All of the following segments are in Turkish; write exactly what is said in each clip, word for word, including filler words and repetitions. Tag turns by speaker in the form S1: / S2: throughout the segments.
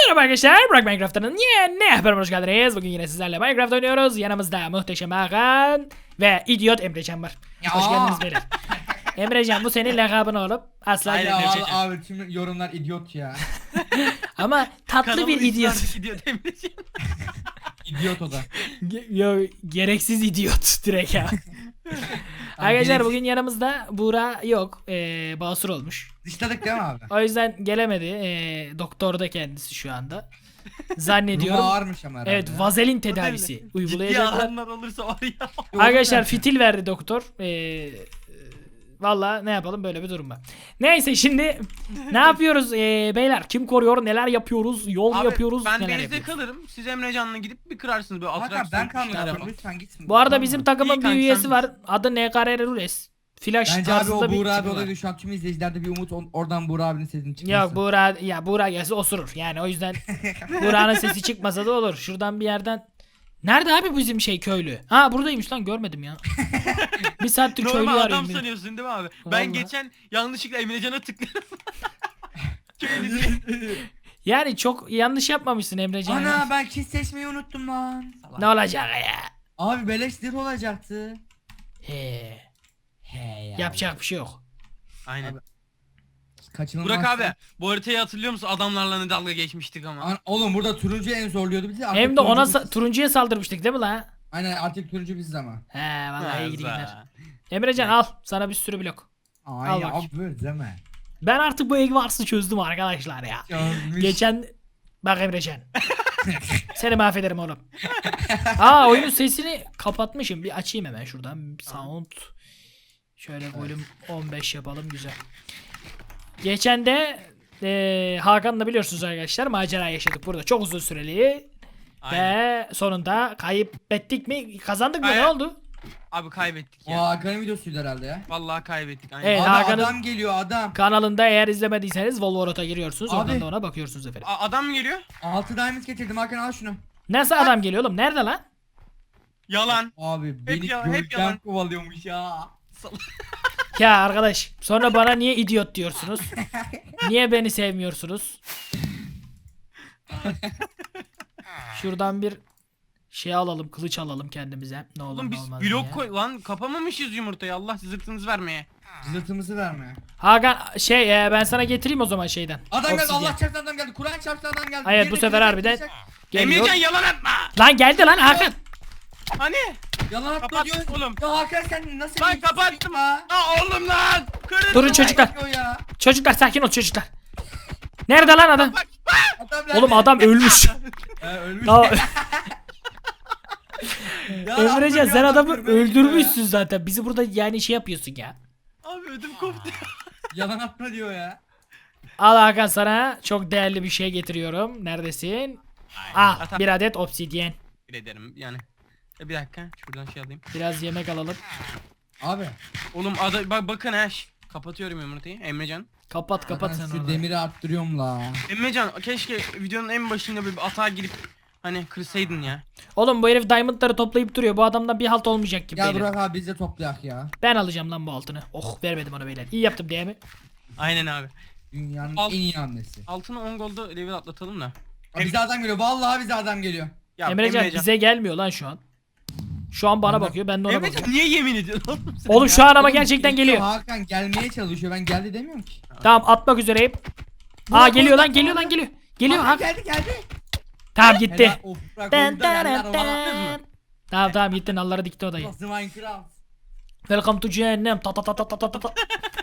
S1: Merhaba arkadaşlar, Burak Minecraft'ın yeni haberime hoş geldiniz. Bugün yine sizlerle Minecraft oynuyoruz. Yanımızda muhteşem Hakan ve idiot Emrecan var.
S2: Ya.
S1: Hoş geldiniz beyler. Emrecan, bu senin lakabın olup asla
S2: Aynen abi,
S1: gelmeyecek.
S2: abi tüm yorumlar idiot ya.
S1: Ama tatlı bir idiot.
S3: idiot Emrecan.
S2: İdiot o da.
S1: Ge- Yo, gereksiz idiot direkt ya. Arkadaşlar
S2: gereksiz-
S1: bugün yanımızda Buğra yok. Ee, basur olmuş.
S2: Dışladık değil mi abi?
S1: O yüzden gelemedi. Ee, doktorda kendisi şu anda.
S2: Durumu
S1: Zannediyorum.
S2: ağırmış ama herhalde.
S1: Evet, vazelin tedavisi
S3: Ciddi
S1: uygulayacaklar.
S3: alanlar olursa var ya.
S1: Arkadaşlar fitil verdi doktor. Ee, Valla ne yapalım, böyle bir durum var. Neyse şimdi ne yapıyoruz ee, beyler? Kim koruyor? Neler yapıyoruz? Yol
S3: Abi,
S1: yapıyoruz?
S3: ben
S1: neler
S3: denizde
S1: yapıyoruz?
S3: kalırım. Siz Emrecan'la gidip bir kırarsınız böyle
S2: Hakan
S3: atraksiyon.
S2: ben
S3: bir şeyler
S2: kalmıyorum
S3: yapalım.
S2: lütfen gitsin.
S1: Bu arada
S2: Tamam
S1: bizim
S2: mı?
S1: takımın
S3: İyi
S1: bir
S3: kanka,
S1: üyesi
S3: sen
S1: var. Adı N K R Rules. Flash
S2: Bence abi
S1: tarzında
S2: o
S1: bir
S2: Buğra abi
S1: tipi var.
S2: olaydı, şu an tüm izleyicilerde bir umut on- oradan Buğra abinin sesini çıkması.
S1: Yok, Buğra, ya Buğra gelse osurur. Yani o yüzden Buğra'nın sesi çıkmasa da olur. Şuradan bir yerden. Nerede abi bizim şey köylü? Ha, buradaymış lan, görmedim ya. Bir saattir köylü
S3: Normal adam
S1: arıyorum. bir-
S3: sanıyorsun değil mi abi?
S1: Vallahi.
S3: Ben geçen yanlışlıkla Emrecan'a tıkladım. Köylü diye.
S1: Yani çok yanlış yapmamışsın Emrecan. ya.
S2: Ana ben kiss seçmeyi unuttum lan.
S1: Ne olacak ya?
S2: Abi beleş zırh olacaktı.
S1: He.
S2: He ya.
S1: Yapacak bir şey yok.
S3: Aynen.
S2: Abi, Kaçınılmaz.
S3: Burak abi bu haritayı hatırlıyor musun? Adamlarla ne dalga geçmiştik ama.
S2: An- Oğlum burada turuncu en zorluyordu bizi. artık
S1: Hem de ona
S2: turuncu
S1: sa-
S2: biziz.
S1: turuncuya saldırmıştık değil mi la?
S2: Aynen artık turuncu biziz ama.
S1: He vallahi iyi
S3: Güzel.
S1: gider. Emrecan al sana bir sürü blok.
S2: Aynen
S1: bak.
S2: abi değil mi?
S1: Ben artık bu Eggwars'ı çözdüm arkadaşlar ya.
S2: Çözmüş.
S1: Geçen bak Emrecan. Seni mahvederim oğlum. Aa, oyunun sesini kapatmışım. Bir açayım hemen şuradan. Sound. Şöyle volüm on beş yapalım, güzel. Geçen de eee Hakan'la biliyorsunuz arkadaşlar macera yaşadık burada. Çok uzun süreli.
S3: Aynen.
S1: Ve sonunda kaybettik mi? Kazandık mı? Ne
S3: Hayır.
S1: oldu?
S3: Abi kaybettik
S2: O
S3: ya.
S2: Hakan'ın videosuydu herhalde ya.
S3: Vallahi kaybettik. Aynen.
S1: Evet.
S2: Abi
S1: Hakan'ın-
S2: adam geliyor adam.
S1: Kanalında eğer izlemediyseniz Volvorot'a giriyorsunuz. Oradan
S2: Abi.
S1: da ona bakıyorsunuz efendim.
S3: A- adam mı geliyor?
S2: altı diamond getirdim Hakan, al şunu.
S1: Nasıl adam geliyor oğlum? Nerede lan?
S3: Yalan.
S2: Abi beni
S3: yalan, hep
S2: gölgen
S3: yalan.
S2: kovalıyormuş ya.
S1: Ya arkadaş, sonra bana niye idiot diyorsunuz? Niye beni sevmiyorsunuz? Şuradan bir şey alalım, kılıç alalım kendimize. Ne olur
S3: Oğlum
S1: ne
S3: biz
S1: olmaz
S3: blok
S1: diye.
S3: koy lan, kapamamışız yumurtayı. Allah zırtınızı vermeye.
S2: Zırtımızı verme.
S1: Hakan şey e, ben sana getireyim o zaman şeyden.
S2: Adam geldi,
S1: Obsidian.
S2: Allah çarptı adam geldi. Kur'an çarptı adam geldi.
S1: Evet,
S2: Birini
S1: bu sefer
S2: kılıç
S1: harbiden
S2: yapacak.
S1: geliyor.
S3: Emrecan yalan atma.
S1: Lan geldi lan Hakan.
S3: Hani?
S2: Yalan atma
S3: Kapat
S2: diyor.
S3: oğlum.
S2: Ya Hakan sen nasıl
S3: Lan
S2: bir
S3: kapattım.
S2: ya?
S3: Aa oğlum lan. Kırın.
S1: Durun çocuklar.
S2: O ya.
S1: Çocuklar sakin ol çocuklar. Nerede lan adam?
S2: Adam nerede?
S1: Oğlum adam ölmüş.
S2: He, ölmüş.
S1: Ya,
S2: Ya
S1: Emrecan
S2: abi,
S1: sen
S2: ya,
S1: adamı
S2: görmeye gidiyor
S1: öldürmüşsün zaten. Bizi burada yani şey yapıyorsun ya.
S3: Abi ödüm koptu.
S2: ya. Yalan atma diyor ya.
S1: Al Hakan, sana çok değerli bir şey getiriyorum. Neredesin? Ah,
S3: Atam.
S1: bir adet obsidyen.
S3: Bir ederim yani. E, bir dakika şuradan şey alayım.
S1: Biraz yemek alalım.
S2: Abi.
S3: Oğlum ada bak bakın ha. şş, Kapatıyorum yumurtayı. Emrecan.
S1: Kapat kapat
S2: Hakan,
S1: sen
S2: şu
S1: onu.
S2: demiri arttırıyorum la.
S3: Emrecan keşke videonun en başında böyle bir atağa girip hani kırsaydın ya.
S1: Oğlum bu herif diamondları toplayıp duruyor. Bu adamdan bir halt olmayacak gibi.
S2: Gel
S1: beyler.
S2: Burak abi biz de toplayak ya.
S1: Ben alacağım lan bu altını. Oh, vermedim ona beyler. İyi yaptım diye mi?
S3: Aynen abi.
S2: Dünyanın
S3: Al.
S2: en iyi hamlesi.
S3: Altını on golda level atlatalım da.
S2: Abi bize adam geliyor. Vallahi bize adam geliyor.
S3: Ya
S1: Emrecan bize gelmiyor lan şu an. Şu an bana
S2: Emre-
S1: bakıyor, ben de ona
S3: Emrecan
S1: bakıyorum.
S3: niye yemin ediyorsun oğlum sen
S1: Oğlum
S3: ya?
S1: şu an ama
S2: Oğlum,
S1: gerçekten geliyor.
S2: Hakan gelmeye çalışıyor. Ben geldi demiyorum ki.
S1: Tamam, atmak üzereyim. Aa,
S2: Burak
S1: geliyor lan
S2: oradan
S1: geliyor lan
S2: sonra-
S1: geliyor. Geliyor
S2: Hakan
S1: ha.
S2: geldi geldi.
S1: Tamam gitti.
S2: Helal, of, Burak
S1: Dın
S2: orada yerler
S1: dın
S2: var.
S1: dın. Tamam tamam gitti, nalları dikti odayı.
S2: Nasıl Minecraft?
S1: Welcome to cehennem. Ta ta ta ta ta ta ta.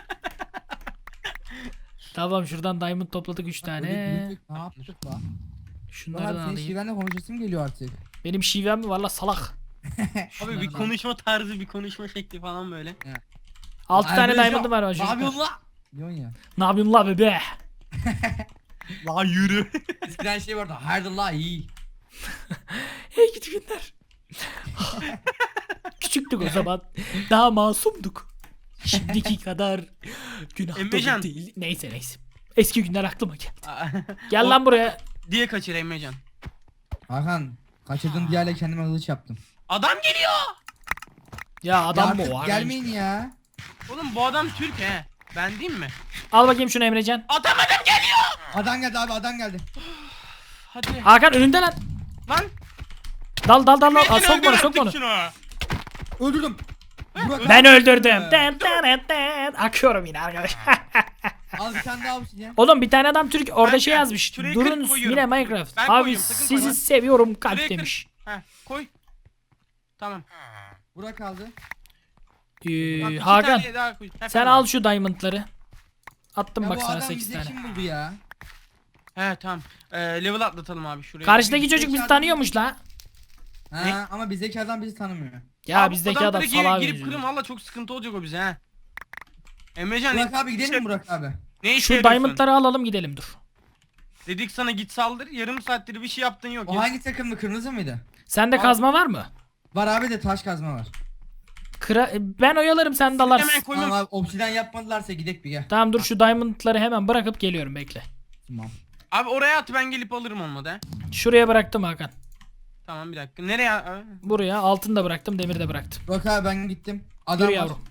S1: Tamam, şuradan diamond topladık üç tane.
S2: Ne yaptık la?
S1: Şunlardan
S2: Burak abi senin
S1: alayım.
S2: şivenle konuşasım geliyor artık.
S1: Benim şivem mi var la salak?
S3: Abi bir
S1: Şunlardan.
S3: konuşma tarzı bir konuşma şekli falan böyle.
S1: altı tane
S2: Emrecan,
S1: diamond'ım var
S2: Ne
S1: çocuklar.
S2: yapıyorsun la? Diyorsun ya.
S1: Ne yapıyorsun la bebe?
S3: La yürü.
S2: Eskiden şey vardı. Haydi la iyi.
S1: Hey gidi günler. Küçüktük o zaman. Daha masumduk. Şimdiki kadar günah dolu
S3: Emrecan.
S1: değil. Neyse neyse. Eski günler aklıma geldi. Gel lan buraya.
S3: Diye kaçır Emrecan.
S2: Hakan kaçırdığım diğerle kendime kılıç yaptım.
S3: Adam geliyor.
S1: Ya adam
S2: ya
S1: mı
S2: artık
S1: o?
S2: gelmeyin ya.
S3: Oğlum bu adam Türk he. Ben değil mi?
S1: Al bakayım şunu Emrecan.
S3: Adam adam geliyor.
S2: Adam geldi abi adam geldi.
S3: Hadi.
S1: Hakan önünde lan.
S3: Lan.
S1: Dal dal dal dal.
S3: Emrecan
S1: Aa, sokma onu
S3: öldür
S1: sokma onu.
S3: artık şunu.
S2: Öldürdüm. Burak
S1: Ben
S2: abi.
S1: öldürdüm. Den, den, den, den. Akıyorum yine arkadaş.
S2: Al bir tane daha obsidyen.
S1: Oğlum bir tane adam Türk orada
S3: Ben-
S1: şey yazmış.
S3: şuraya
S1: Durun
S3: kırk koyuyorum.
S1: yine Minecraft.
S3: Ben
S1: Abi
S3: koyuyorum, sakın
S1: sizi
S3: koyma.
S1: seviyorum kalp
S3: Şuraya kır.
S1: demiş.
S3: Heh, koy. Tamam.
S2: Burak aldı.
S1: Ee,
S3: Bak, iki
S1: Hakan
S3: tane daha koy. Heh,
S1: sen
S3: tamam.
S1: al şu diamondları. Attım
S2: Ya
S1: bak
S2: bu
S1: sana
S2: adam
S1: sekiz
S2: bize
S1: tane.
S2: kim buldu ya?
S3: He tamam. Ee, level atlatalım abi şuraya.
S1: Karşıdaki
S2: Bizdeki
S1: çocuk bizi
S2: adam-
S1: tanıyormuş la.
S2: Ha
S3: Ne?
S2: ama bizdeki adam bizi tanımıyor.
S1: Ya
S3: Abi,
S1: bizdeki adam
S3: adamları girip,
S1: salağa
S3: girip
S1: benziyor.
S3: kırın valla çok sıkıntı olacak o bize ha. Emrecan
S2: Burak
S3: ne,
S2: abi gidelim mi Burak abi?
S3: ne işe
S1: Şu
S3: yarıyorsun?
S1: diamondları alalım gidelim dur.
S3: Dedik sana git saldır, yarım saattir bir şey yaptın yok.
S2: O
S3: Ya-
S2: hangi takımlı, kırmızı mıydı?
S1: Sende
S3: Al.
S1: kazma var mı?
S2: Var abi de taş kazma var.
S1: Kıra ben oyalarım sen dalarsın.
S3: Hemen koymam.
S2: Tamam abi obsidyen yapmadılarsa gidek bir gel.
S1: Tamam dur şu diamondları hemen bırakıp geliyorum bekle.
S2: Tamam.
S3: Abi oraya at ben gelip alırım olmadı ha.
S1: Şuraya bıraktım Hakan.
S3: Tamam bir dakika. Nereye? Aa,
S1: Buraya altın da bıraktım demir de bıraktım.
S2: Burak abi ben gittim. Adam
S1: Dur
S2: var.
S1: yavrum.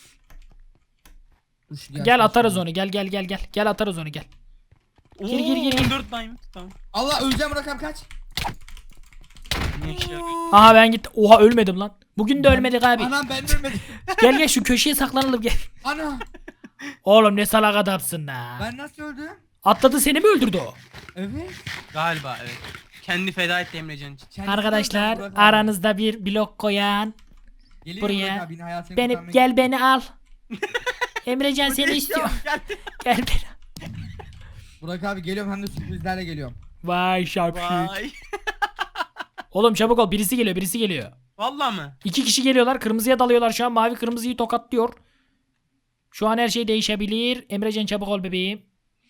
S2: Dur şu
S1: Gel
S2: gelsin
S1: atarız
S2: şimdi.
S1: onu gel gel gel gel. Gel atarız onu gel.
S3: Oo,
S1: Gir, gir, gir, gir.
S3: on dört diamond. Tamam.
S2: Allah öleceğim Burak abi kaç.
S3: Ne işe yarıyor?
S1: Aha ben gittim. Oha ölmedim lan. Bugün de ölmedik abi.
S2: Anam ben de ölmedim.
S1: Gel gel şu köşeye saklanalım gel.
S2: Ana
S1: Oğlum ne salak adamsın la.
S2: ben nasıl öldüm?
S1: Atladı seni mi öldürdü o?
S2: Evet.
S3: Galiba evet. Kendi feda etti Emrecan için.
S2: Kendisi
S1: Arkadaşlar
S2: öldü Burak abi.
S1: aranızda bir blok koyan.
S2: Geliyor
S1: buraya.
S2: Burak abi, yine hayatını
S1: Beni
S2: kurtarmaya
S1: gel beni al. Emrecan seni istiyor.
S3: Gel.
S1: Gel beni.
S2: Burak abi geliyorum hem de sürprizlerle geliyorum.
S1: Vay şapşik.
S3: Vay.
S1: Oğlum çabuk ol birisi geliyor birisi geliyor.
S3: Vallahi mı?
S1: İki kişi geliyorlar kırmızıya dalıyorlar şu an mavi kırmızıyı tokatlıyor. Şu an her şey değişebilir. Emrecan çabuk ol bebeğim.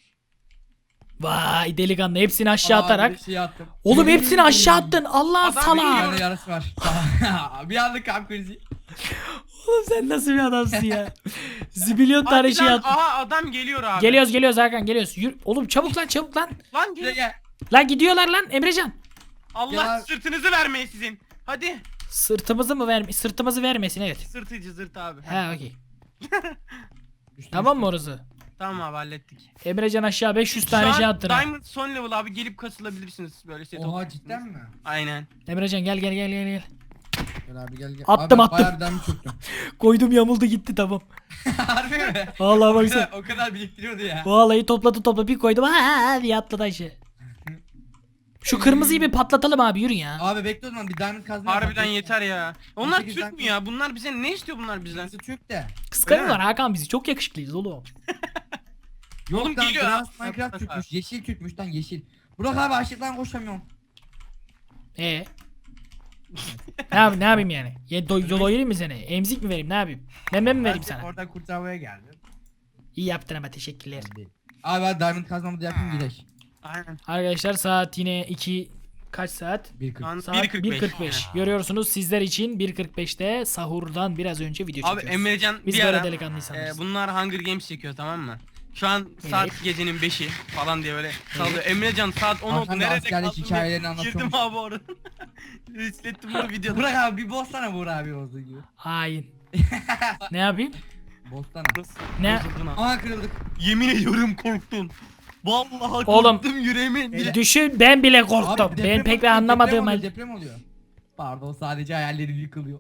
S1: Vay delikanlı hepsini aşağı
S2: Abi
S1: atarak.
S2: bir şey attım.
S1: Oğlum hepsini aşağı attın. Allah
S3: Adam
S1: sana.
S3: biliyor.
S2: Bende yarısı var. bir anlık kalp krizi.
S1: Oğlum sen nasıl bir adamsın ya. Zibilyon tane
S3: Hadi
S1: şey
S3: lan,
S1: attın.
S3: aha adam geliyor abi.
S1: Geliyoruz geliyoruz Hakan geliyoruz. Yürü. Oğlum çabuk lan çabuk lan.
S3: Lan
S2: Buraya
S3: gel.
S2: gel.
S1: Lan gidiyorlar lan Emrecan.
S3: Allah
S2: Ya.
S3: sırtınızı vermeyin sizin. Hadi.
S1: Sırtımızı mı verme sırtımızı vermesin evet.
S3: Sırtıcı zırt abi.
S1: Ha okey.
S2: Düştüm,
S1: Tamam mı orası?
S3: Tamam abi hallettik.
S1: Emrecan aşağı beş yüz
S3: Şu
S1: tane
S3: an
S1: şey attın ha.
S3: Diamond son level abi gelip kasılabilirsiniz böyle set
S2: Oha
S3: olabilirsiniz.
S2: cidden mi?
S3: Aynen.
S1: Emrecan gel gel gel gel gel.
S2: Gel abi gel gel.
S1: Attım,
S2: abi,
S1: attım.
S2: Bayağı bir damı çöktüm.
S1: Koydum yamuldu gitti tamam.
S2: Harbi mi?
S1: Vallahi
S2: O
S1: baksana.
S2: kadar, o kadar biriktiriyordu ya.
S1: Vallahi topladı topladı bir koydum. Ha diye atladı aşağı. Şu kırmızıyı bir patlatalım abi yürü ya.
S2: Abi bekle o zaman bir diamond kazma.
S3: Harbiden
S2: yapalım.
S3: yeter ya. Onlar
S2: sekiz
S3: Türk mü
S2: dakika.
S3: ya? Bunlar bize ne istiyor bunlar bizden?
S2: Kırmızı Türk de.
S1: Kıskanıyorlar Hakan bizi çok yakışıklıyız oğlum.
S2: Yok
S3: Oğlum
S2: lan
S3: geliyor
S2: Grass
S3: ha.
S2: Minecraft
S3: Bak, bak,
S2: Türkmüş. Yeşil Türkmüş lan yeşil. Burak abi açlıktan koşamıyorum.
S1: Ee? ne yapayım ne yapayım yani? Ya do doyurayım mı seni? Emzik mi vereyim ne yapayım? Meme mi vereyim sana?
S2: Oradan kurtarmaya geldim.
S1: İyi yaptın ama teşekkürler.
S2: Abi hadi diamond kazmamı da yapayım gidelim.
S3: Aynen.
S1: Arkadaşlar saat yine iki kaç saat?
S2: bir
S3: Şu
S2: kırk.
S3: an
S1: Saat
S3: bir kırk beş.
S1: bir kırk beş. Görüyorsunuz sizler için bir kırk beşte sahurdan biraz önce video
S3: Abi
S1: çekiyoruz.
S3: Emrecan
S1: Biz
S3: bir
S1: böyle
S3: ara
S1: delikanlı
S3: e,
S1: insanlarız.
S3: bunlar Hunger Games çekiyor tamam mı? Şu an saat
S1: Evet.
S3: gecenin beşi falan diye böyle sallıyor. Emrecan saat on oldu
S2: Hakan da
S3: nerede
S2: askerlik
S3: kaldın diye
S2: hikayelerini anlatıyormuş.
S3: girdim abi orada. İslettim bunu videoda.
S2: Burak abi bir bozsana Burak abi olduğu gibi.
S1: Hain. ne yapayım?
S2: Bozsana.
S1: Ne?
S3: Bozuldun abi.
S2: Aha kırıldık.
S3: Yemin ediyorum korktum. Vallahi
S1: Oğlum,
S3: korktum yüreğime bile.
S1: Düşün ben bile korktum.
S2: Abi
S1: Ben
S2: deprem
S1: pek bir
S2: oluyor,
S1: anlamadığım
S2: deprem oluyor,
S1: halde.
S2: deprem oluyor. Pardon sadece hayallerim yıkılıyor.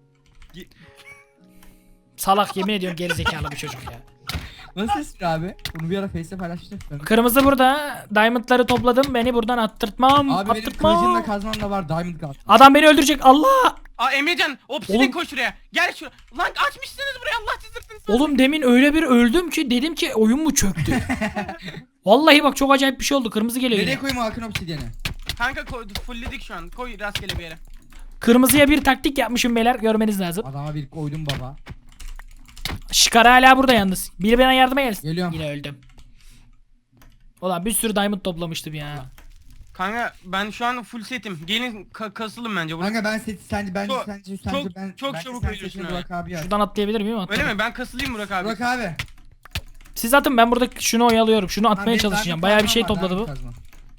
S1: Salak yemin ediyorum gerizekalı bir çocuk ya.
S2: Nasıl esir abi? Bunu bir ara Face'te paylaşmıştım.
S1: Kırmızı burada. Diamondları topladım. Beni buradan attırtmam.
S2: Abi benim
S1: attırtmam.
S2: kılıcımla kazmam da var diamond kaz.
S1: Adam beni öldürecek. Allah!
S3: Aa Emrecan obsidyen
S1: Oğlum-
S3: koş şuraya. Gel şu. Lan açmışsınız buraya Allah çizdirsin.
S1: Oğlum demin öyle bir öldüm ki dedim ki oyun mu çöktü? Vallahi bak çok acayip bir şey oldu. Kırmızı geliyor
S2: Nereye
S1: yine.
S2: koyayım o Hakan obsidyeni?
S3: Kanka koy, fullledik şu an. Koy rastgele bir yere.
S1: Kırmızıya bir taktik yapmışım beyler. Görmeniz lazım.
S2: Adama bir koydum baba.
S1: Şikara hala burada yalnız. Biri bana yardıma gelsin.
S2: Geliyorum.
S1: Yine öldüm. Ulan bir sürü diamond toplamıştım ya.
S3: Kanka ben şu an full setim. Gelin ka- kasılın bence. Burası.
S2: Kanka ben seti sence bence
S3: Çok-
S2: sence sence
S3: çok-
S2: ben
S3: çok
S2: bence
S3: çabuk
S2: sen
S3: ölüyorsun
S2: setini
S3: ha.
S2: Burak abi yaz.
S1: Şuradan atlayabilir miyim?
S3: Öyle
S1: Atlarım.
S3: mi? Ben kasılayım Burak abi.
S2: Burak abi.
S1: Siz atın ben burada şunu oyalıyorum. Şunu
S2: Ha,
S1: atmaya
S2: benim
S1: çalışacağım.
S2: diamond
S1: Bayağı bir
S2: kazmam
S1: şey
S2: var,
S1: topladı bu.
S2: diamond kazmam.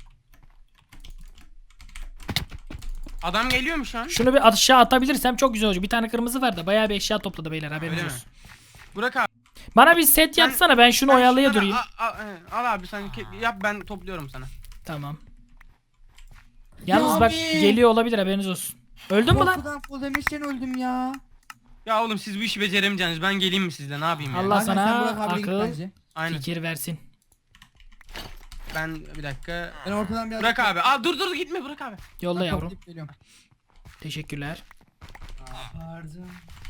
S3: Adam geliyor mu şu an?
S1: Şunu bir aşağı atabilirsem çok güzel olacak. Bir tane kırmızı var da bayağı bir eşya topladı beyler haberiniz
S3: Öyle mi?
S1: olsun.
S3: Burak abi.
S1: Bana bir set
S3: Ben-
S1: yapsana ben şunu
S3: sen
S1: oyalaya
S3: şunları
S1: durayım.
S3: Al, al, al abi sen ke- yap ben topluyorum sana.
S1: Tamam. Yalnız
S2: Ya
S1: bak
S2: abi.
S1: geliyor olabilir, haberiniz olsun. Öldün mü lan?
S2: Korkudan full demişten öldüm ya.
S3: Ya oğlum siz bu işi beceremeyeceksiniz. Ben geleyim mi sizle? Ne yapayım ya?
S1: Allah
S2: Hakan,
S1: sana
S2: sen Burak abiyle git
S1: akıl,
S2: bence.
S3: Aynen.
S1: fikir versin.
S3: Ben bir dakika.
S2: Ben ortadan biraz...
S3: Bırak abi. Aa dur dur gitme bırak abi.
S1: Yolla
S2: Ben
S1: yavrum.
S2: toplayıp geliyorum.
S1: Teşekkürler.
S2: Pardon.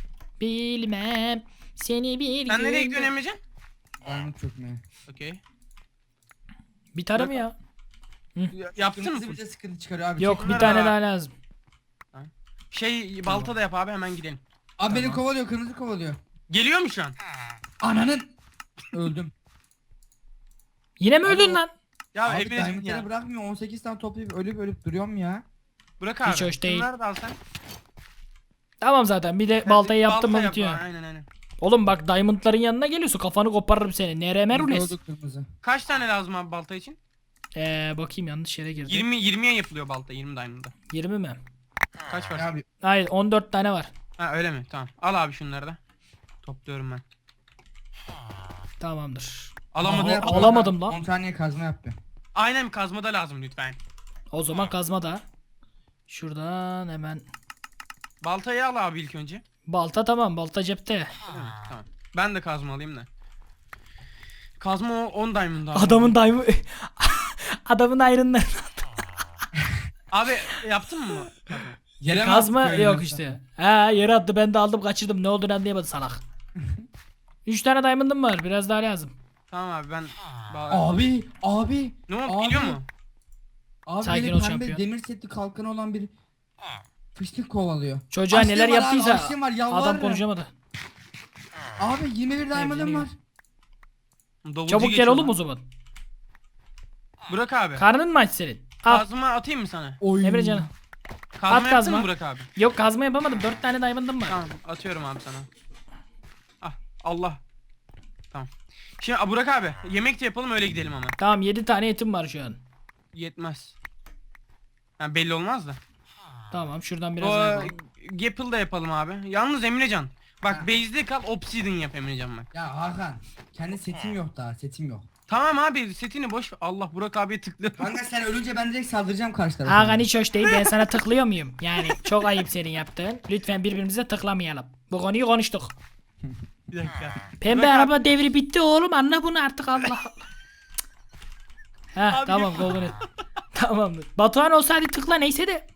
S1: Bilmem seni bir
S3: Sen nereye
S1: gün-
S3: gidiyorsun Emrecan?
S2: Diamond çökmeye.
S3: Okey.
S1: Bir tane mi ya?
S3: Ya- Yaptın mı?
S2: Kırmızı bize sıkıntı çıkarıyor abi.
S1: Yok,
S2: Çek.
S1: bir tane daha lazım.
S3: Şey balta da yap abi hemen gidelim.
S2: Abi beni
S1: Tamam.
S2: kovalıyor, kırmızı kovalıyor.
S3: Geliyor mu şu an?
S2: Ananın. Öldüm.
S1: Yine mi
S2: Abi
S1: öldün
S2: o-
S1: lan?
S3: Ya
S2: Abi
S3: Emrecan
S2: diamondları
S3: ya.
S2: bırakmıyor. on sekiz tane toplayıp ölüp ölüp duruyorum ya.
S3: Bırak abi.
S1: Hiç hoş değil.
S3: Bunları da al sen.
S1: Tamam zaten, bir de baltayı yaptım mı
S3: Balta yap,
S1: bitiyor.
S3: Aynen aynen.
S1: Oğlum bak, diamondların yanına geliyorsun, kafanı koparırım seni. Nere merules?
S2: Oldu kırmızı.
S3: Kaç tane lazım abi balta için?
S1: Ee, bakayım, yanlış yere girdim.
S3: yirmi yirmiye yapılıyor balta yirmi diamond'da.
S1: yirmi mi?
S3: Kaç var?
S2: Ya abi
S1: Hayır, on dört tane var.
S3: Ha öyle mi? Tamam. Al abi şunları da. Topluyorum ben.
S1: Tamamdır.
S3: Alamadım.
S1: Aha,
S2: yapalım.
S1: alamadım lan.
S2: on saniye kazma yaptı.
S3: Aynen kazma da lazım lütfen.
S1: O zaman kazma da. Şuradan hemen.
S3: Baltayı al abi ilk önce.
S1: Balta tamam, balta cepte.
S3: Değil mi? Tamam. Ben de kazma alayım da. Kazma o on diamond abi.
S1: Adamın diamond... Adamın ayrından.
S3: Abi yaptın mı? Kazma.
S2: Yere mi
S1: Kazma
S2: attık öyle
S1: yok
S2: yoksa?
S1: işte. Ha, yere attı, ben de aldım kaçırdım. Ne olduğunu anlayamadı salak. üç tane diamond'ım var, biraz daha lazım.
S3: Tamam abi ben... Ba-
S2: Abi, abi.
S3: ne oldu?
S2: abi.
S3: Geliyor mu?
S2: Abi
S1: Sakin
S2: beni
S1: ol
S2: pembe
S1: şampiyon.
S2: demir setli kalkanı olan bir fıştık kovalıyor.
S1: Çocuğa
S2: Açlığım
S1: neler
S2: var abi,
S1: yaptıysa
S2: açlığım var, yalvarırım.
S1: adam konuşamadı.
S2: Abi yirmi bir diamond'ım
S1: bileyim.
S2: var.
S3: Davulcu
S1: Çabuk gel
S3: geçiyor
S1: oğlum
S3: lan.
S1: o zaman.
S3: Burak abi.
S1: Karnın mı aç senin? Al.
S3: Kazma atayım mı sana?
S2: Oy.
S1: Emre canım.
S3: Kazma
S1: At
S3: yaptın
S1: kazma.
S3: mı Burak abi?
S1: Yok, kazma yapamadım. dört tane diamond'ım var.
S3: Tamam atıyorum abi sana. Ah Allah. Tamam. Şimdi ah, Burak abi yemek de yapalım öyle gidelim ama.
S1: Tamam, yedi tane etim var şu an.
S3: Yetmez. Yani belli olmaz da.
S1: Tamam, şuradan biraz
S3: O
S1: daha yapalım.
S3: Gapple da yapalım abi. Yalnız Emrecan. Bak base'de kal obsidian yap Emrecan bak.
S2: Ya Hakan, kendi setim yok daha, setim yok.
S3: Tamam abi setini boş ver. Allah Burak abiye tıklıyorum.
S2: Kanka sen ölünce ben direkt saldıracağım karşı tarafa.
S1: Hakan hiç hoş değil, ben sana tıklıyor muyum? Yani çok ayıp senin yaptığın. Lütfen birbirimize tıklamayalım. Bu konuyu konuştuk.
S3: Bir dakika.
S1: Pembe
S3: Bırak
S1: araba devri bitti oğlum, anla bunu artık, Allah Allah. Heh,
S3: Abi
S1: tamam,
S3: gel.
S1: golden et. Tamamdır. Batuhan olsa hadi tıkla, neyse de.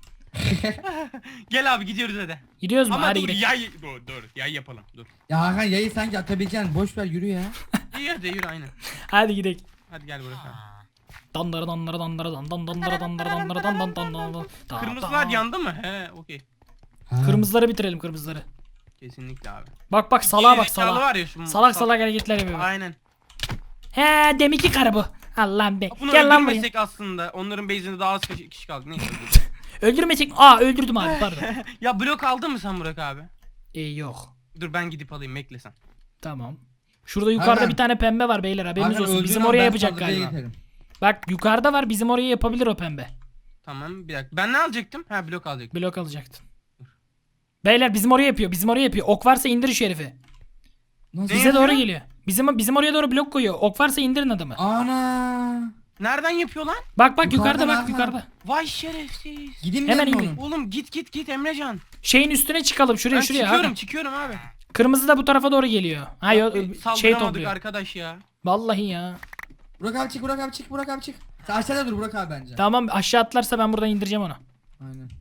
S3: Gel abi gidiyoruz hadi.
S1: Gidiyoruz mu?
S3: Ama
S1: Hadi
S3: dur
S1: gidelim.
S3: yay dur dur yay yapalım dur.
S2: Ya Hakan yayı sanki atabileceksin, boş ver yürü ya.
S3: İyi hadi yürü aynen.
S1: Hadi gidelim.
S3: Hadi gel Burak abi.
S1: Dandara dandara dandara dan dan dandara dandara dandara dan dan dan dan dan. Da-
S3: Kırmızılar
S1: da.
S3: yandı mı? He okey.
S2: Ha.
S1: Kırmızıları bitirelim, kırmızıları.
S3: Kesinlikle abi.
S1: Bak bak, salağa bak,
S3: Gerizekalı
S1: salağa.
S3: var ya şu
S1: Salak
S3: sal-
S1: salak hareketler yapıyor.
S3: Aynen.
S1: He, deminki karı bu. Allah'ım be.
S3: Bunu
S1: Gel lan buraya.
S3: öldürmesek aslında onların base'inde daha az kişi kişi kaldı. Neyse.
S1: Öldürmesek. Aa, öldürdüm abi, pardon.
S3: Ya blok aldın mı sen Burak abi?
S1: ee, yok.
S3: Dur ben gidip alayım bekle sen.
S1: Tamam. Şurada yukarıda
S2: Hakan.
S1: bir tane pembe var beyler, haberiniz
S2: Hakan
S1: olsun.
S2: öldüğün
S1: Bizim
S2: an
S1: oraya
S2: ben
S1: yapacak
S2: saldırıya
S1: galiba.
S2: geçerim.
S1: Bak yukarıda var, bizim oraya yapabilir o pembe.
S3: Tamam bir dakika. Ben ne alacaktım? Ha blok alacaktım.
S1: Blok alacaktın. Beyler bizim oraya yapıyor, bizim oraya yapıyor. Ok varsa indir şu herifi.
S2: Nasıl?
S1: Bize
S3: yapıyor?
S1: doğru geliyor. Bizim bizim oraya doğru blok koyuyor. Ok varsa indirin adamı.
S2: Ana.
S3: Nereden yapıyor lan?
S1: Bak bak, yukarıda
S2: Yukarıdan
S1: bak,
S2: Hakan.
S1: yukarıda.
S3: Vay şerefsiz.
S2: Gideyim
S1: Hemen
S2: Hemen
S1: indir.
S2: onun.
S3: Oğlum git git git Emrecan.
S1: Şeyin üstüne çıkalım, şuraya
S3: Ben
S1: şuraya.
S3: çıkıyorum
S1: Hakan.
S3: çıkıyorum abi.
S1: Kırmızı da bu tarafa doğru geliyor. Ha yo,
S3: E,
S1: şey
S3: Saldıramadık
S1: topluyor.
S3: arkadaş ya.
S1: Vallahi ya.
S2: Burak abi çık, Burak abi çık, Burak abi çık. Sen aşağıda dur Burak abi bence.
S1: Tamam, aşağı atlarsa ben buradan indireceğim onu.
S2: Aynen.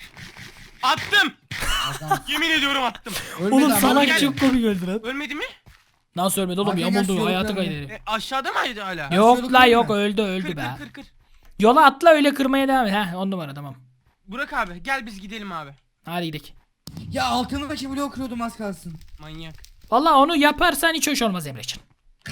S3: Attım.
S2: Adam.
S3: Yemin ediyorum attım.
S2: Ölmedi
S1: Oğlum
S2: ama
S1: salak
S2: gel.
S1: çok komik öldü lan.
S3: Ölmedi mi?
S1: Nasıl ölmedi oğlum?
S2: Hakan gel,
S1: Yamuldu,
S2: şu
S1: hayatı
S2: yolu
S1: kaydı.
S2: kıralım.
S1: herif.
S3: E, aşağıda mıydı hala?
S1: Yok
S2: şöyle
S1: la,
S2: kırayım
S1: yok
S2: mı?
S1: öldü
S3: Kır
S1: öldü
S3: kır
S1: be.
S3: kır kır.
S1: Yola atla, öyle kırmaya devam et. Heh, on numara, tamam.
S3: Burak abi gel biz gidelim abi.
S1: Hadi gidelim.
S2: Ya altındaki bloğu kırıyordum az kalsın.
S3: Manyak.
S1: Vallahi onu yaparsan hiç hoş olmaz Emrecan.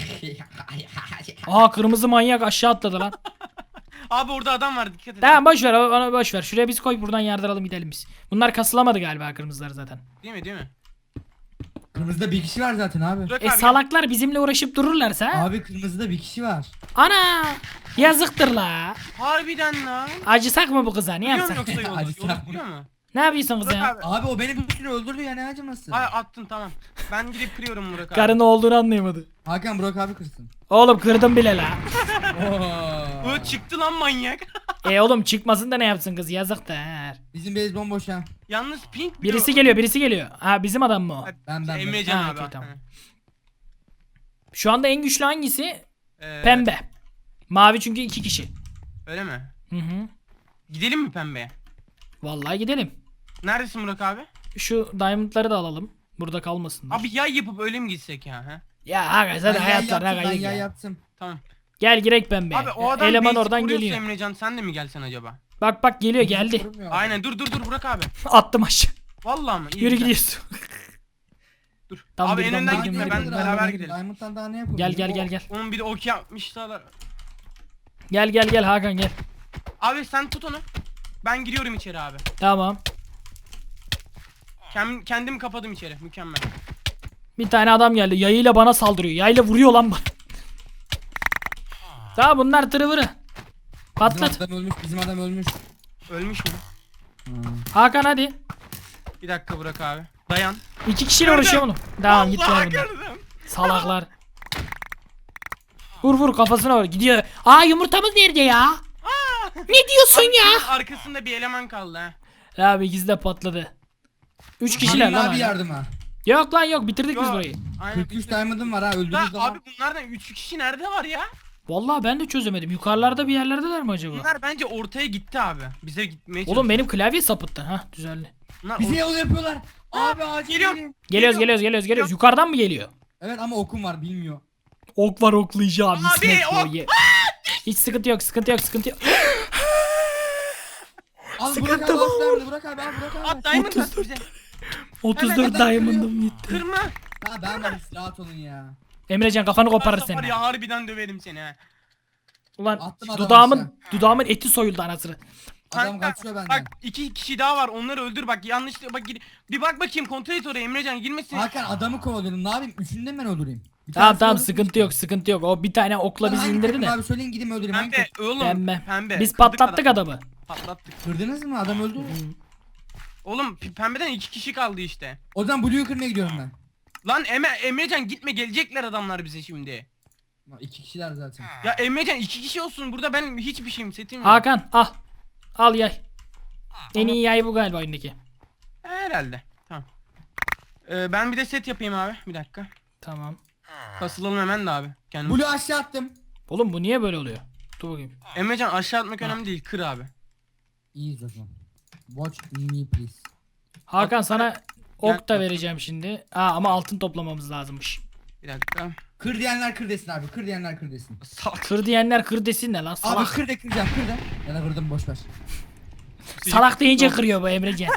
S1: Aha, kırmızı manyak aşağı atladı lan.
S3: Abi orada adam var dikkat et.
S1: Tamam, boş ver onu, boş ver. Şuraya biz koy, buradan yardıralım gidelim biz. Bunlar kasılamadı galiba, kırmızılar zaten.
S3: Değil mi değil mi?
S2: Kırmızıda bir kişi var zaten abi.
S3: Burak
S1: E
S3: abi.
S1: salaklar bizimle uğraşıp dururlarsa.
S2: Abi kırmızıda bir kişi var.
S1: Ana, yazıktır la.
S3: Harbiden lan.
S1: Acısak mı bu kıza, ne
S3: Biliyor musun
S1: yapsak?
S3: yoksa yolu?
S2: Hadi
S3: Yolu
S2: sen-
S3: biliyor mu?
S1: Ne yapıyorsun kız
S3: Burak
S1: ya?
S3: abi.
S2: Abi o beni bir sürü öldürdü ya, ne acıması.
S3: Ay attın tamam. Ben gidip kırıyorum Burak abi.
S1: Karın ne olduğunu anlayamadı.
S2: Hakan Burak abi kırsın.
S1: Oğlum kırdım bile la.
S2: Oo.
S3: Bu çıktı lan manyak.
S1: E oğlum çıkmasın da ne yapsın kız yazık der.
S2: Bizim base bomboş ha.
S3: Yalnız pink
S1: Birisi geliyor birisi geliyor. Ha bizim adam mı o?
S2: Ben ben. ben.
S3: Emrecan
S1: Ha,
S3: abi.
S1: okey, tamam.
S3: Ha.
S1: Şu anda en güçlü hangisi?
S3: Ee,
S1: Pembe. Mavi çünkü iki kişi.
S3: Öyle mi?
S1: Hı hı.
S3: Gidelim mi pembeye?
S1: Vallahi gidelim.
S3: Neredesin Burak abi?
S1: Şu diamondları da alalım. Burada kalmasınlar.
S3: Abi yay yapıp öyle mi gitsek ya? Ha?
S1: Ya aga zaten
S2: Ben yay
S1: hayatlar ne
S2: yaptım, ben
S1: kaydık
S2: yay
S1: ya.
S2: yaptım.
S3: Tamam.
S1: Gel girek pembe.
S3: Abi o adam
S1: Eleman
S3: basic
S1: oradan
S3: vuruyorsa
S1: geliyor.
S3: Emrecan sen de mi gelsen acaba?
S1: Bak bak geliyor geldi.
S2: Vurmuyor.
S3: Aynen dur dur dur Burak abi.
S1: Attım aşağı.
S3: Vallahi mı? İyi,
S1: Yürü
S3: güzel.
S1: gidiyorsun.
S3: Dur.
S1: Tam
S3: abi
S1: bir
S3: en
S1: bomba
S3: önden
S1: gibi
S3: gitme
S1: bir
S3: ben
S1: bomba.
S3: beraber gidelim.
S2: Diamond'dan daha ne yapalım?
S1: Gel gel gel gel.
S3: Onun bir de ok yapmışlar.
S1: Gel gel gel Hakan gel.
S3: Abi sen tut onu. Ben giriyorum içeri abi.
S1: Tamam.
S3: Kendim, kendim kapadım içeri. Mükemmel.
S1: Bir tane adam geldi. Yayıyla bana saldırıyor. Yayla vuruyor lan bana. Tamam bunlar tırıvırı.
S2: Bizim
S1: Patlat.
S2: adam ölmüş, bizim adam ölmüş.
S3: Ölmüş mü?
S1: Hakan hadi.
S3: Bir dakika Burak abi. Dayan.
S1: İki kişiyle uğraşıyor oğlum. Tamam git
S3: Allah
S1: lan buradan.
S3: gördüm.
S1: Salaklar. Vur vur kafasına vur. Gidiyor. Aa yumurtamız nerede ya? Ne diyorsun ya?
S3: Arkasında bir eleman kaldı ha.
S1: Abi ikisi de patladı. Üç kişiler
S2: Halil
S1: lan.
S2: abi
S1: hala.
S2: yardıma.
S1: Yok lan yok bitirdik biz
S3: Yo,
S1: burayı.
S3: Aynen.
S2: kırk üç diamond'ım var ha, öldürdüğünüz
S3: Da,
S2: zaman.
S3: abi bunlardan üç kişi nerede var ya?
S1: Vallahi ben de çözemedim. Yukarılarda bir yerlerdeler mi acaba?
S3: Bunlar bence ortaya gitti abi. Bize gitmeye
S1: Oğlum
S3: çalışıyor.
S1: benim klavye sapıttı. Ha düzeldi.
S3: Bunlar
S2: Bize
S3: or-
S2: yol yapıyorlar. Abi acil
S3: geliyorum.
S2: gelin.
S1: Geliyoruz geliyoruz geliyoruz geliyoruz. Yukarıdan mı geliyor?
S2: Evet ama okum var, bilmiyor.
S1: Ok var oklayacağım.
S3: Abi,
S1: İsmet
S3: ok-
S1: boyu. Hiç sıkıntı yok sıkıntı yok sıkıntı yok.
S2: Al
S1: Sıkıntı
S2: Burak abi,
S1: var.
S2: al diamond'ı, Burak abi, al Burak abi.
S3: At diamond at
S1: otuz dört.
S3: bize.
S1: otuz
S3: Hemen
S1: dört
S2: adam
S1: diamond'ım gitti.
S3: Kırma.
S2: Ha ben varım, rahat olun ya.
S1: Emrecan kafanı koparır
S3: Varsa var
S1: seni.
S3: ya harbiden döverim seni ha.
S1: Ulan
S2: Attım adamı
S1: dudağımın dudağımın eti soyuldu anasını.
S2: Adam
S3: Kanka,
S2: kaçıyor benden.
S3: Bak iki kişi daha var onları öldür bak yanlış bak gir- bir bak bakayım kontrol et oraya Emrecan girmesin.
S2: Hakan adamı kovalıyorum, ne yapayım? Üçünü de ben öldüreyim. Bir
S1: Tamam
S2: tanesi
S1: tamam
S2: öldürdüm
S1: sıkıntı
S2: işte.
S1: yok sıkıntı yok. O bir tane okla
S2: Lan
S1: bizi
S2: hangi
S1: indirdi
S2: takım
S1: de.
S2: Abi söyleyin gideyim öldüreyim. Hangi
S3: Pembe
S2: takım?
S3: oğlum
S1: Pembe.
S3: pembe.
S1: Biz
S3: Kırdık
S1: patlattık
S3: adamı.
S1: adamı.
S3: Patlattık.
S2: Kırdınız mı? Adam öldü.
S3: Oğlum p- pembeden iki kişi kaldı işte.
S2: O zaman Blue'yu kırmaya gidiyorum ben.
S3: Lan Eme Emrecan gitme gelecekler adamlar bize şimdi.
S2: Lan İki kişiler zaten.
S3: Ya Emrecan iki kişi olsun burada ben hiçbir şeyim setim yok.
S1: Hakan al. Al yay. En iyi yay bu galiba oyundaki.
S3: Herhalde. Tamam. Ee, ben bir de set yapayım abi. Bir dakika.
S1: Tamam.
S3: Kasılalım hemen de abi. Kendim.
S2: Blue aşağı attım.
S1: Oğlum bu niye böyle oluyor? Dur bakayım.
S3: Emrecan aşağı atmak önemli değil. Kır abi.
S2: İyiyiz o zaman. Watch me please.
S1: Hakan sana ok da
S3: Gel.
S1: vereceğim şimdi. Aa ama altın toplamamız lazımmış.
S3: Bir dakika.
S2: Kır diyenler kır desin abi. Kır diyenler kır desin.
S3: Salak.
S1: Kır diyenler kır desin ne lan
S2: Abi
S1: salak.
S2: kır de kıracağım, kır de. Ya da kırdım, boş ver.
S1: Salak deyince kırıyor bu Emrecan.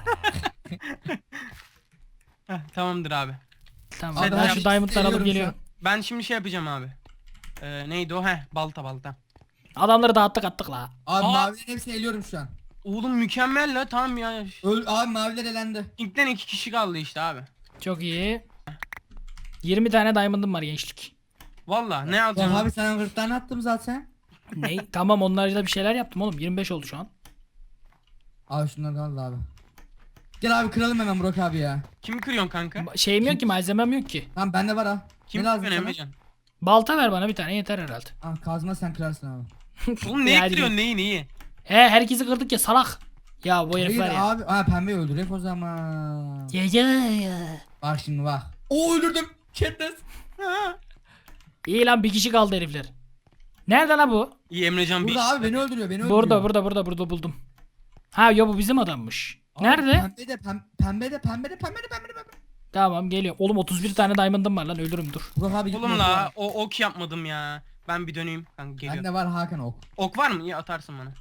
S3: Heh, tamamdır abi.
S1: Tamam
S3: Sen
S1: ben
S3: abi,
S1: şu diamondları alıp
S2: seviyorum
S1: geliyorum.
S3: Ben şimdi şey yapacağım abi. Ee, neydi o? Heh balta balta.
S1: Adamları dağıttık attık la.
S2: Abi
S3: Aa.
S2: mavilerin hepsini eliyorum şu an.
S3: Oğlum mükemmel la tamam ya.
S2: Öl abi maviler elendi.
S3: İlkten iki kişi kaldı işte abi.
S1: Çok iyi. yirmi tane diamond'ım var gençlik.
S3: Valla ne
S2: Lan
S3: alacağım?
S2: abi sana kırk tane attım zaten.
S1: Ne? Tamam onlarla bir şeyler yaptım oğlum. yirmi beş oldu şu an.
S2: Abi şunları da al abi. Gel abi kıralım hemen Burak abi ya.
S3: Kimi kırıyorsun kanka?
S1: Ba- Şeyim yok ki malzemem yok ki.
S2: Tamam bende var ha.
S3: Kim
S2: Ne lazım
S3: kırıyorsun
S2: sana?
S3: Emrecan?
S1: Balta ver bana bir tane yeter herhalde.
S2: Ah kazma sen kırarsın abi.
S3: Oğlum neyi
S1: Yani-
S3: kırıyorsun neyi neyi?
S1: He herkesi kırdık ya salak. Ya bu
S2: Hayır
S1: herifler ya.
S2: abi. Ha pembeyi öldürek o zaman.
S1: Ya ya ya.
S2: Bak şimdi bak. Oo öldürdüm. Katniss.
S3: Ha.
S1: İyi lan bir kişi kaldı herifler. Nerede lan bu?
S3: İyi Emrecan bir
S2: Burada abi beni öldürüyor, beni öldürüyor.
S1: Burada burada burada burada buldum. Ha yo bu bizim adammış.
S2: Abi,
S1: Nerede?
S2: Pembe de pem, pembe de pembe de pembe de pembe de pembe.
S1: Tamam geliyorum. Oğlum otuz bir tane diamond'ım var lan ölürüm dur.
S2: Burak abi
S3: Oğlum
S2: gitme,
S3: la
S2: Burak.
S3: o ok yapmadım ya. Ben bir döneyim kanka geliyor.
S2: Bende var Hakan ok.
S3: Ok var mı? İyi atarsın bana.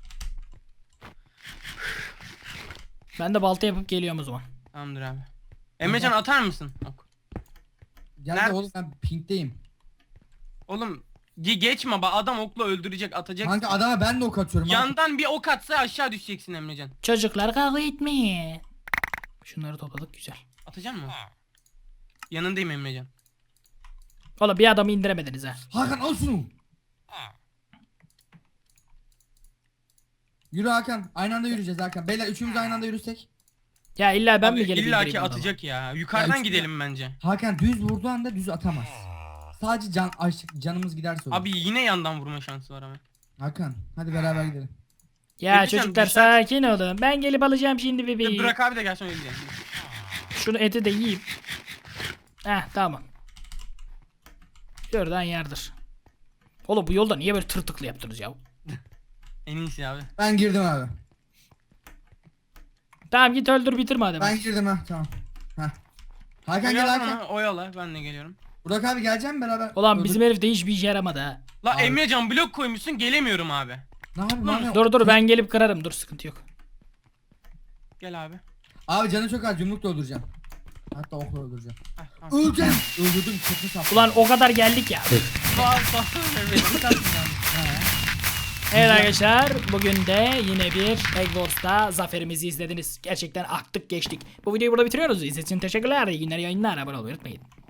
S1: Ben de balta yapıp geliyorum o zaman.
S3: Tamamdır abi. Emrecan atar mısın? Ok.
S2: Gel
S3: Nerede?
S2: de oğlum ben pinkteyim.
S3: Oğlum ge- geçme bak adam okla öldürecek atacak.
S2: Kanka adama ben de ok atıyorum. abi.
S3: Yandan bir ok atsa aşağı düşeceksin Emrecan.
S1: Çocuklar kavga etmeyin. Şunları topladık güzel.
S3: Atacak mı? Yanındayım Emrecan.
S1: Oğlum bir adamı indiremediniz ha.
S2: Hakan al şunu. Yürü Hakan. Aynı anda yürüyeceğiz Hakan. Beyler üçümüz aynı anda yürüsek.
S1: Ya illa ben
S3: Abi,
S1: mi gelip
S3: İlla ki
S1: indireyim adamı?
S3: atacak ya. Yukarıdan
S2: Ya,
S3: gidelim bence.
S2: Hakan düz vurduğu anda düz atamaz. Sadece can açık canımız giderse olur.
S3: Abi yine yandan vurma şansı var ama.
S2: Hakan hadi beraber gidelim.
S1: Ya
S3: Peki sen
S1: çocuklar
S3: düşer-
S1: sakin olun. Ben gelip alacağım şimdi bebeği.
S3: Burak abi de gelsin öyle diyelim.
S1: Şunu eti de yiyeyim. Heh tamam. Şuradan yardır. Oğlum bu yolda niye böyle tırtıklı yaptınız ya?
S3: En iyisi abi.
S2: Ben girdim abi.
S1: Tamam git öldür bitir madem.
S2: Ben girdim ha tamam. Heh. Hakan gel
S3: Oyala
S2: Hakan.
S3: onu, oyala ben de geliyorum.
S2: Burak abi geleceğim beraber.
S1: Ulan
S2: Dur,
S1: bizim
S2: dur.
S1: herif de hiçbir işe yaramadı ha.
S3: La
S2: Abi.
S3: Emrecan blok koymuşsun gelemiyorum abi.
S2: Ne yapayım ne yapayım?
S1: Dur dur ben gelip kırarım dur sıkıntı yok.
S3: Gel abi.
S2: Abi canı çok az yumruk da öldüreceğim. Hatta okla öldüreceğim.
S3: Heh, tamam.
S2: Öleceğim. Öldürdüm çatı saptım.
S1: Ulan o kadar geldik ya.
S3: Sağ ol, sağ ol Emrecan.
S1: Evet arkadaşlar bugün de yine bir Egg Wars'ta zaferimizi izlediniz. Gerçekten aktık geçtik. Bu videoyu burada bitiriyoruz. İzlediğiniz için teşekkürler. İyi günler yayınlar. Abone olmayı unutmayın.